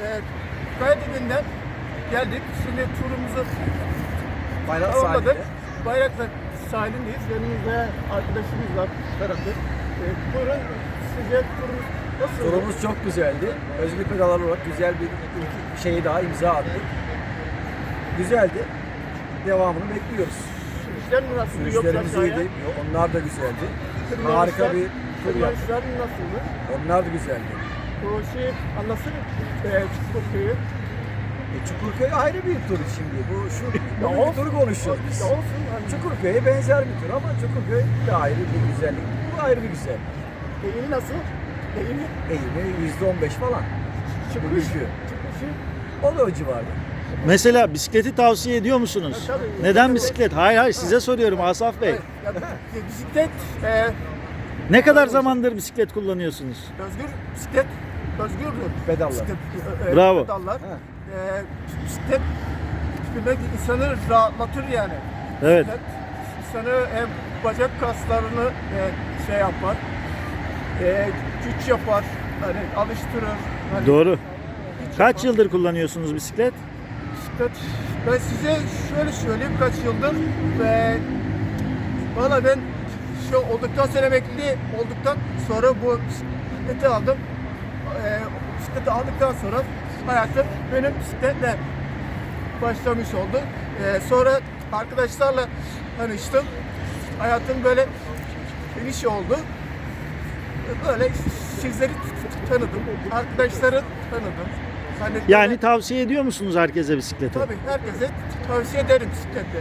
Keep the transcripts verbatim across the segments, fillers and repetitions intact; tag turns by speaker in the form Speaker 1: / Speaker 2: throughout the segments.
Speaker 1: e, Kaydedinden geldik. Şimdi turumuzu
Speaker 2: Bayrak
Speaker 1: tamamladık.
Speaker 2: sahilde.
Speaker 1: Bayraktar sahilindeyiz. Yanımızda arkadaşımız var tarafı. E, buyurun sizce turumuz nasıl?
Speaker 2: Turumuz çok güzeldi. Özgür Pedalar olarak güzel bir ilk şeyi daha imza attık. Güzeldi. Devamını bekliyoruz.
Speaker 1: Sürüşler mi nasıl?
Speaker 2: Sürüşlerimiz iyiydi. Onlar da güzeldi. Harika bir tur yaptık.
Speaker 1: Tırmanışlar nasıldı?
Speaker 2: Onlar da güzeldi.
Speaker 1: O şey anlatsana. E, Çukurköy'ü.
Speaker 2: E, Çukurköy ayrı bir tur şimdi. Bu şu
Speaker 1: Ya
Speaker 2: bu
Speaker 1: olsun.
Speaker 2: turu konuşuyoruz biz.
Speaker 1: Ya olsun. Hani,
Speaker 2: Çukurköy'e benzer bir tur ama Çukurköy de ayrı bir güzellik. Bu ayrı bir güzellik.
Speaker 1: eğimi nasıl? Eğimi.
Speaker 2: Eğimi yüzde on beş falan.
Speaker 1: Çıkış.
Speaker 2: Bugünkü.
Speaker 1: Çıkışı.
Speaker 2: O da o civarda.
Speaker 3: Mesela bisikleti tavsiye ediyor musunuz?
Speaker 1: Ha, tabii.
Speaker 3: Neden
Speaker 1: Tabii.
Speaker 3: bisiklet? Hayır hayır size soruyorum Asaf Bey.
Speaker 1: Evet, ya, bisiklet e,
Speaker 3: Ne kadar zamandır bisiklet kullanıyorsunuz?
Speaker 1: özgür bisiklet özgürdür.
Speaker 2: Pedallar.
Speaker 1: Bisiklet, e, e,
Speaker 3: Bravo.
Speaker 1: Pedallar.
Speaker 2: Ha.
Speaker 1: E, bisiklet bilmek insanı rahatlatır yani.
Speaker 3: Evet.
Speaker 1: Bisiklet insanı hem bacak kaslarını e, şey yapar. E, güç yapar. Hani alıştırır. Hani
Speaker 3: Doğru.
Speaker 1: güç
Speaker 3: Kaç
Speaker 1: yapar.
Speaker 3: yıldır kullanıyorsunuz bisiklet?
Speaker 1: Bisiklet. Ben size şöyle söyleyeyim kaç yıldır ve valla ben şu olduktan sonra emekli olduktan sonra bu bisikleti aldım. Ee, bisikleti aldıktan sonra hayatım benim bisikletle başlamış oldu. Ee, sonra arkadaşlarla tanıştım. Hayatım böyle geniş oldu. Böyle sizleri tanıdım. Arkadaşları tanıdım. Hani
Speaker 3: Yani
Speaker 1: böyle-
Speaker 3: tavsiye ediyor musunuz herkese bisikleti?
Speaker 1: Tabii herkese tavsiye ederim bisikletle.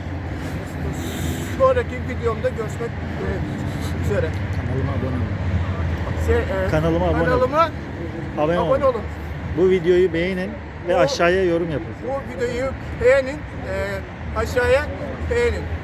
Speaker 1: Sonraki videomda görüşmek e, üzere.
Speaker 3: Kanalıma abone olun.
Speaker 1: Şey, e,
Speaker 3: Kanalıma abone olun.
Speaker 1: kanalıma
Speaker 3: Abone
Speaker 1: abone
Speaker 3: olun.
Speaker 1: olun.
Speaker 3: Bu videoyu beğenin ve
Speaker 1: Bu-
Speaker 3: aşağıya yorum yapın.
Speaker 1: Bu videoyu beğenin, e, aşağıya beğenin.